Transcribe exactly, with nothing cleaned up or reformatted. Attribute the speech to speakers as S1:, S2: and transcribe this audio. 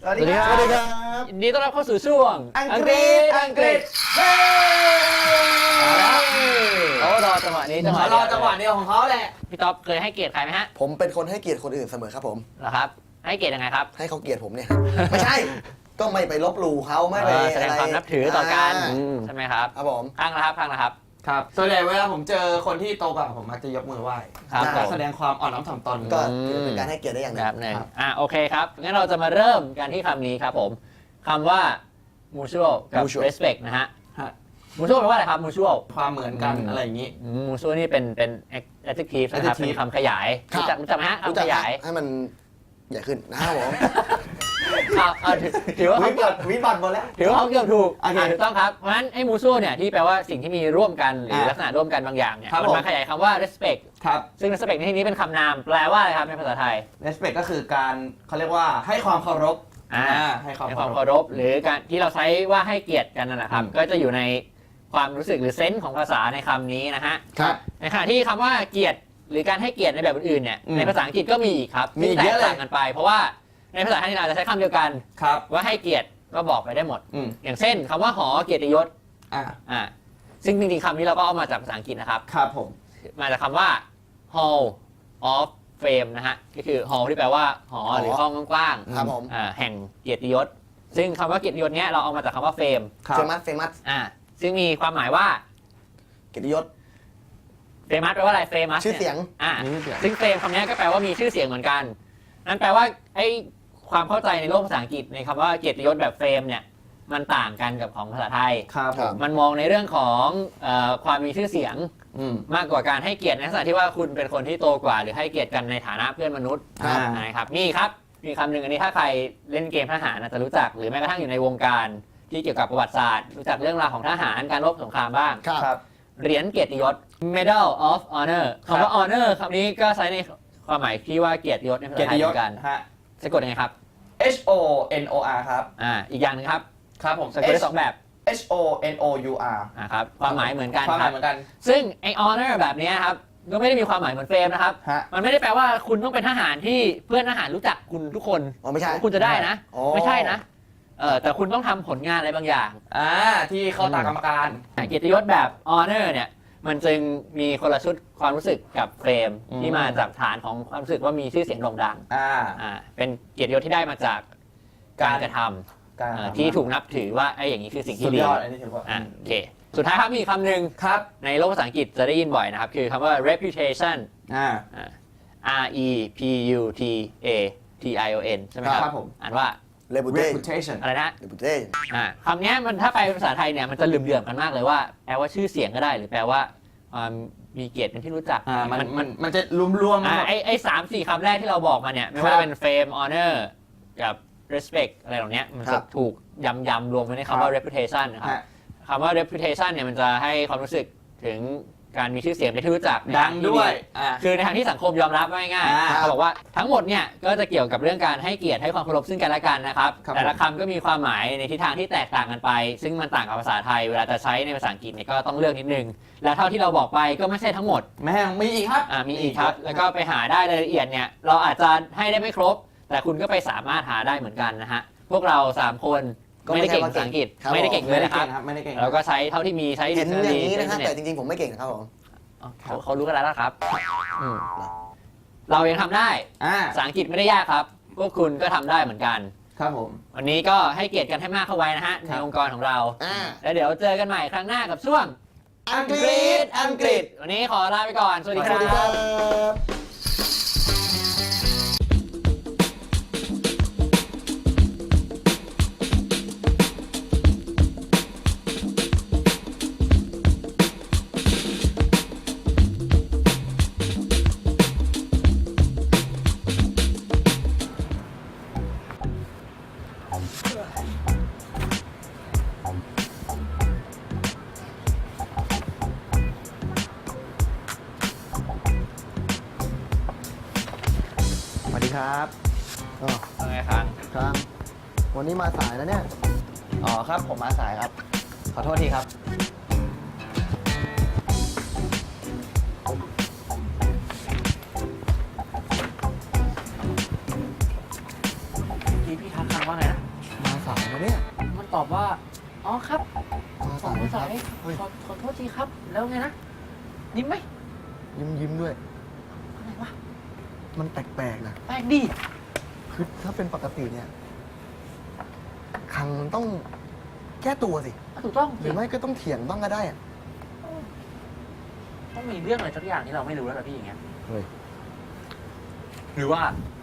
S1: สวัสดีครับ
S2: สวัสดีครับ
S1: ยินดีต้อนรับเข้าสู่ช่วง
S2: อังกฤษอังกฤษเฮ้
S1: เขารอจังหวะนี้จังหวะ
S3: เขารอจังหวะเดียวของเขาแหละ
S1: พี่ต๊อบเคยให้เกียรติใครไหมฮะ
S2: ผมเป็นคนให้เกียรติคนอื่นเสมอครับผม
S1: เหรอครับ ให้เกียรติยังไงครับ
S2: ให้เขาเกียรติผมเนี่ย ไม่ใช่ ก็ไม่ไปลบหลู่เขาไม่ไป
S1: เออแสดงความนับถือต่อกัน
S2: า
S1: ใช่ไหมครับ
S2: ครับผม
S1: ข้างละครับข้างละครับ
S3: ครับส่วนใหญ่เวลาผมเจอคนที่โตกว่าผมมักจะยกมือไหว้
S1: ครับ
S3: การ
S1: ผม
S3: แสดงความอ่อนน้อมถ่อมตน
S2: ก็ถือเป็นการให้เกียรติได้อย่างหนึ
S1: แบ
S2: ง
S1: บหนึ่ง
S3: ครับ
S1: อ่ะโอเคครับงั้นเราจะมาเริ่มกันที่คำนี้ครับผมคำว่า mutual กับ
S2: mutual
S1: respect นะฮะ
S3: ฮะ
S1: mutual แปลว่าอะไรครับ mutual
S3: ความเหมือนกัน
S1: อืม
S3: อะไรอย่างนี้
S1: อืม mutual นี่เป็นเป็น adjective นะครับ
S3: adjective
S1: เป็นคำขยาย
S2: ครับ
S1: รู้จักรู้จักไหมฮะ
S2: รู้
S1: คำ
S2: จั
S1: ข
S2: ก
S1: ยาย
S2: ให้มันใหญ่ขึ้นนะครับผม
S1: เอาเอาถือถือว่า
S3: วิ
S1: เขา
S3: บัติวิบัติหมดแล้ว
S1: ถือว่าเขาเกือบถูก
S3: โอเค
S1: อ่าถูกต้องครับ เพราะฉะนั้นไอ้ mutual เนี่ยที่แปลว่าสิ่งที่มีร่วมกันหรือ
S3: อ่า
S1: ลักษณะร่วมกันบางอย่างเนี่ย
S3: ครับ
S1: มัน
S3: ผม
S1: มาขยายคำว่า respect
S3: ครับ
S1: ซึ่ง respect ในที่นี้เป็นคำนามแปลว่าอะไรครับในภาษาไทย
S3: respect ก็คือการเขาเรียกว่าให้ความเคารพ
S1: อ่า
S3: ให้ความ
S1: ในค
S3: เคาว
S1: าม
S3: ร
S1: เคา
S3: พ
S1: รพหรือการที่เราใช้ว่าให้เกียรติกันนั่นแหละครับ
S3: อืม
S1: ก็จะอยู่ในความรู้สึกหรือเซนส์ของภาษาในคำนี้นะฮะ
S2: ครับ
S1: ในขณะที่คำว่าเกียรติหรือการให้เกียรติในแบบอื่นๆเนี่ย
S3: อืม
S1: ในภาษาอังกฤษก็มีอีกครับ
S3: มี
S1: ที่
S3: เย
S1: แต
S3: อะ
S1: ก
S3: เลย
S1: ต่างกันไป เพราะว่าในภาษาไทยเราจะใช้คำเดียวกัน
S3: ครับ
S1: ว่าให้เกียรติก็บอกไปได้หมด
S3: อืม
S1: อย่างเช่นคำว่าหอเกียรติยศ
S3: อ่า
S1: อ่าซึ่งจริงๆคำนี้เราก็เอามาจากภาษาอังกฤษนะครับ
S3: ครับผม
S1: มาจากคำว่า hall of fame นะฮะก็คือ hall ที่แปลว่าหอหรือห้องกว้างๆ
S2: ครับผม
S1: อ่าแห่งเกียรติยศ ซึ่งคำว่าเกียรติยศเนี้ยเราเอามาจากคำว่า fame
S3: ครับ
S2: เฟมัสเฟมัส
S1: อ่าซึ่งมีความหมายว่า
S2: เกียรติยศ
S1: famous แปลว่าอะไร famous
S2: ชื่อเสียง
S1: อ่า
S3: นี่เสียง
S1: ซึ่ง fame คำนี้ก็แปลว่ามีชื่อเสียงเหมือนกัน นั่นแปลว่าไอ้ความเข้าใจในโลกภาษาอังกฤษในคำว่าเกียรติยศแบบ fame เนี่ยมันต่างกันกับของภาษาไทย
S3: ครับผม
S1: มันมองในเรื่องของเออความมีชื่อเสียง
S3: อืม
S1: มากกว่าการให้เกียรติในลักษณะที่ว่าคุณเป็นคนที่โตกว่า หรือให้เกียรติกันในฐานะเพื่อนมนุษย์
S3: ครับ
S1: นะครับนี่ครับมีคำหนึ่งอันนี้ถ้าใครเล่นเกมทหารอาจจะรู้จักหรือแม้กระทั่งอยู่ในวงการที่เกี่ยวกับประวัติศาสตร์รู้จักเรื่องราวของทหารการรบสงครามบ้าง
S2: ครับ
S3: ครับ
S1: เหรียญเกียรติยศ Medal of Honor คำว่า honor คำนี้ก็ใช้ในความหมายที่ว่าเกียรติยศในภา
S3: เกีย
S1: ษาร ไท
S3: ติ
S1: ย
S3: ย
S1: เห
S3: ศ
S1: มือนกัน
S3: ฮะ
S1: สะกดยังไงครับ
S3: H O N O R ครับ
S1: อ่าอีกอย่างหนึงครับ
S3: ครับผม
S1: สะกดได้สองแบบ
S3: H O N O U R
S1: อ่าครับความหมายเหมือนกัน
S3: ความห
S1: ค
S3: มา
S1: รั
S3: ย
S1: บ
S3: เหมือนกัน
S1: ซึ่งไอ honor แบบเนี้ยครับก็ไม่ได้มีความหมายเหมือนเฟรมนะครับ
S3: ฮะ
S1: มันไม่ได้แปลว่าคุณต้องเป็นทหารที่เพื่อนทหารรู้จักคุณทุกคน
S2: อ๋อไม่ใช่
S1: คุณจะได้นะ
S2: อ๋อ
S1: ไม่ใช่นะเออแต่คุณต้องทำผลงานอะไรบางอย่าง
S3: อ่าที่เข้าตากรรมการ
S1: เกียรติยศแบบ honor เนี่ยมันจึงมีคนละชุดความรู้สึกกับเฟรม
S3: อืม
S1: ที่มาจากฐานของความรู้สึกว่ามีชื่อเสียงโด่งดัง
S3: อ่า
S1: อ่าเป็นเกียรติยศที่ได้มาจากการกระท
S3: การ
S1: ำเอ่อที่ถูกนับถือว่าไอ้อย่างนี้คือสิ่ง
S3: สุ
S1: ที่
S3: ด
S1: ดี
S3: ยอดอันนี้ถือว่า
S1: อ่าโอเคสุดท้ายครับมีคำหนึ่ง
S3: ครับ
S1: ในโลกภาษาอังกฤษจะได้ยินบ่อยนะครับ คือคำว่า reputation
S3: อ่า
S1: อ่า R E P U T A T I O N ใช่ไหมครับ
S3: ครับผม
S1: อ่านว่า
S2: เลบูเต้
S3: reputation
S1: อะไรนะ
S2: เลบูเต้
S1: อ่าคำเนี้ยมันถ้าไปภาษาไทยเนี่ยมันจะเหลื่อมๆกันมากเลยว่าแปลว่าชื่อเสียงก็ได้ หรือแปลว่าความมีเกียรติเป็นที่รู้จัก
S3: อ่ามัน
S1: มัน
S3: มันมันจะรวมๆ
S1: อ่า
S3: หมด
S1: ไอไอสามสี่คำแรกที่เราบอกมาเนี่ยไม่
S3: ครั
S1: ว่า
S3: บ
S1: จะเป็น fame honor กับ respect อะไรเหล่านี้มัน
S2: ครั
S1: จะ
S2: บ
S1: ถูกยำยำรวมไว้ในคำว่า reputation นะครับ
S3: ฮะ
S1: คำว่า reputation เนี่ยมันจะให้ความรู้สึกถึงการมีชื่อเสียงเป็นที่รู้จักใน
S3: ดั
S1: ทาง ที่
S3: ด้วยอ่า
S1: คือในทางที่สังคมยอมรับว่าง่าย
S3: อ่า
S1: ๆเขาบอกว่าทั้งหมดเนี่ยก็จะเกี่ยวกับเรื่องการให้เกียรติให้ความเคารพซึ่งกันและกันนะครับ
S3: ครับ
S1: แต่ละคำก็มีความหมายในทิศทางที่แตกต่างกันไป ซึ่งมันต่างกับภาษาไทยเวลาจะใช้ในภาษาอังกฤษเนี่ยก็ต้องเลือกนิดนึง และเท่าที่เราบอกไปก็ไม่ใช่ทั้งหมด
S3: แม่งมีอีกครับ
S1: อ่ามีอีกครับ แล้วก็ไปหาได้รายละเอียดเนี่ยเราอาจจะให้ได้ไม่ครบ แต่คุณก็ไปสามารถหาได้เหมือนกันนะฮะพวกเราสามคน
S2: ก็
S1: ไม่
S2: ไม่
S1: ได้
S2: ใช่
S1: เก่ง
S2: ว่า
S1: ภาษาอังกฤษ
S2: ครับ
S1: ไม่ได้เก่งเลยนะครับ
S3: ไม่ได้เก่งค
S1: เรา
S3: รับ
S1: ก็ใช้เท่าที่มีใช้
S2: เห็นอย่างนี้นะฮะ
S1: ใช้
S2: แต่
S1: อิ
S2: จริงๆผมไม่เก่งนะครับผม
S1: อ๋อเขาเขารู้กันแล้วนะครับอืมเรายังทำได้
S3: อ่า
S1: ภาษาอังกฤษไม่ได้ยากครับ พวกคุณก็ทำได้เหมือนกัน
S3: ครับผม
S1: วันนี้ก็ให้เกียรติกันให้มากเข้าไว้นะฮะ
S3: ค
S1: ใน
S3: รับ
S1: องค์กรของเรา
S2: อ่า
S1: แล้วเดี๋ยวเจอกันใหม่ครั้งหน้ากับช่วง
S2: อังกฤษอังกฤษ
S1: วันนี้ขอลาไปก่อน สวัสดี
S2: ส
S1: ค
S2: วัสดีค
S1: รั
S2: รับ บสวัสดีครับอ๋อ
S1: เอาไงครับ
S2: ครับ วันนี้มาสายแล้วเนี่ย
S3: อ๋อครับผมมาสายครับ ขอโทษทีครับ
S1: พี่พี่ทักคำว่าไงนะ
S2: มาสายนะเนี่ย
S1: มันตอบว่า อ๋อครับ
S2: มา
S1: สอ
S2: สาง ย
S1: สาย
S2: เฮ้ย
S1: ขอขอโทษทีครับ แล้วไงนะ ยิ้มไหม
S2: ยิ้มยิ้มด้วย
S1: อะไรวะ
S2: มันแปลกๆนะ
S1: แปลกดี
S2: คือถ้าเป็นปกติเนี่ย คังมันต้องแก้ตัวสิ
S1: ถูกต้อง
S2: หรือไม่ก็ต้องเถียงบ้างก็ได้อะ
S1: ต้องมีเรื่องอะไรสักอย่างที่เราไม่รู้แล้วล่ะพี่อย่างเงี้ย
S2: เฮ้ย
S1: หรือว่า